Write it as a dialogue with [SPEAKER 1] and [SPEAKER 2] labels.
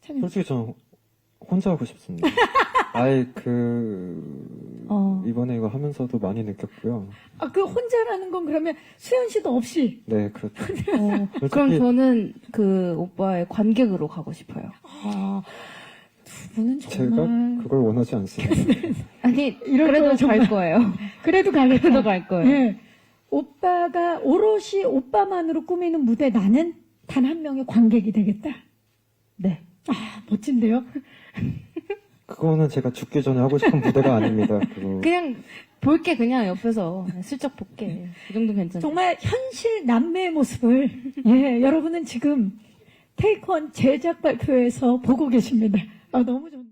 [SPEAKER 1] 솔직히 저는 혼자 하고 싶습니다. 아예 이번에 이거 하면서도 많이 느꼈고요.
[SPEAKER 2] 아, 그 혼자라는 건 그러면 수현 씨도 없이?
[SPEAKER 1] 네, 그렇죠.
[SPEAKER 3] 그럼 저는 그 오빠의 관객으로 가고 싶어요.
[SPEAKER 2] 아, 두 분은
[SPEAKER 1] 제가
[SPEAKER 2] 정말.
[SPEAKER 1] 그걸 원하지 않습니다.
[SPEAKER 3] 아니,
[SPEAKER 2] 이럴
[SPEAKER 3] 그래도
[SPEAKER 2] 거야,
[SPEAKER 3] 갈
[SPEAKER 2] 정말.
[SPEAKER 3] 거예요.
[SPEAKER 2] 그래도 가겠다.
[SPEAKER 3] 그래도 갈 거예요.
[SPEAKER 2] 예. 오빠가 오롯이 오빠만으로 꾸미는 무대 나는 단 한 명의 관객이 되겠다.
[SPEAKER 3] 네.
[SPEAKER 2] 아, 멋진데요?
[SPEAKER 1] 그거는 제가 죽기 전에 하고 싶은 무대가 아닙니다.
[SPEAKER 3] 그냥 볼게, 그냥 옆에서. 슬쩍 볼게. 그 정도 괜찮죠.
[SPEAKER 2] 정말 현실 남매의 모습을 예, 여러분은 지금 테이크원 제작 발표에서 보고 계십니다. 아, 너무 좋네.